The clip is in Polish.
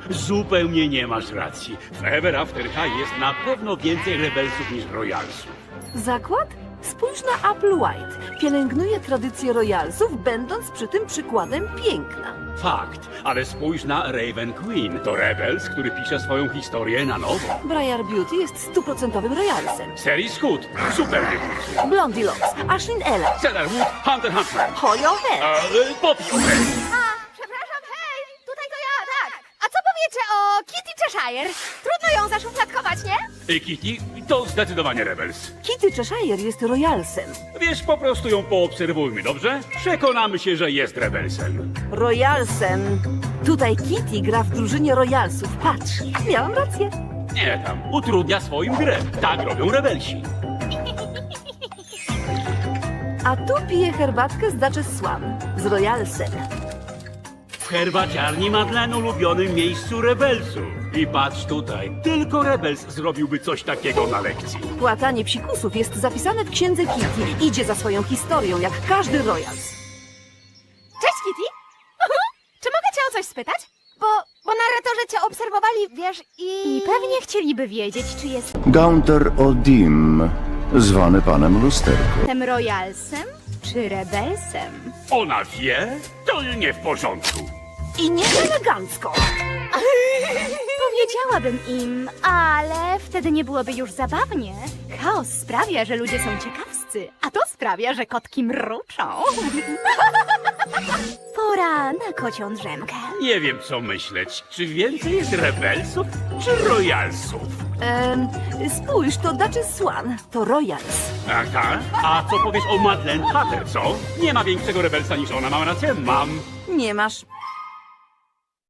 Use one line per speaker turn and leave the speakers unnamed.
zupełnie nie masz racji. W Ever After High jest na pewno więcej rebelsów niż royalsów.
Zakład? Spójrz na Apple White. Pielęgnuje tradycję royalsów, będąc przy tym przykładem piękna.
Fakt, ale spójrz na Raven Queen. To rebels, który pisze swoją historię na nowo.
Briar Beauty jest stuprocentowym royalsem.
Series Hood, super wybór.
Blondie Locks, Ashlyn Ella,
Cedarwood, Hunter Huntsman.
Hoyo Head.
Poppy O'Hare.
Przepraszam, hej! Tutaj to ja, tak! A co powiecie o Kitty Cheshire? Trudno ją zaszufladkować, nie?
Kitty to zdecydowanie rebels.
Kitty Cheshire jest royalsem.
Wiesz, po prostu ją poobserwujmy, dobrze? Przekonamy się, że jest rebelsem.
Royalsem. Tutaj Kitty gra w drużynie royalsów. Patrz, miałam rację.
Nie tam, utrudnia swoim grę. Tak robią rebelsi.
A tu pije herbatkę z Duchess Swan. Z royalsem.
W herbaciarni Madeleine ulubionym miejscu rebelsów. I patrz tutaj, tylko rebels zrobiłby coś takiego na lekcji.
Płatanie psikusów jest zapisane w księdze Kitty. Idzie za swoją historią, jak każdy royals.
Cześć, Kitty! Czy mogę cię o coś spytać? Bo narratorzy cię obserwowali, wiesz, i pewnie chcieliby wiedzieć, czy
Gaunter Odim, zwany panem Lusterko.
jestem royalsem, czy rebelsem?
Ona wie? To nie w porządku.
I nie elegancko.
Powiedziałabym im, ale wtedy nie byłoby już zabawnie. Chaos sprawia, że ludzie są ciekawscy, a to sprawia, że kotki mruczą. Pora na kocią drzemkę.
Nie wiem, co myśleć. Czy więcej jest rebelsów, czy royalsów?
Spójrz, to Duchess Swan. To royals.
Aha. A co powiesz o Madeleine Hatter, co? Nie ma większego rebelsa niż ona, mam rację? Mam.
Nie masz.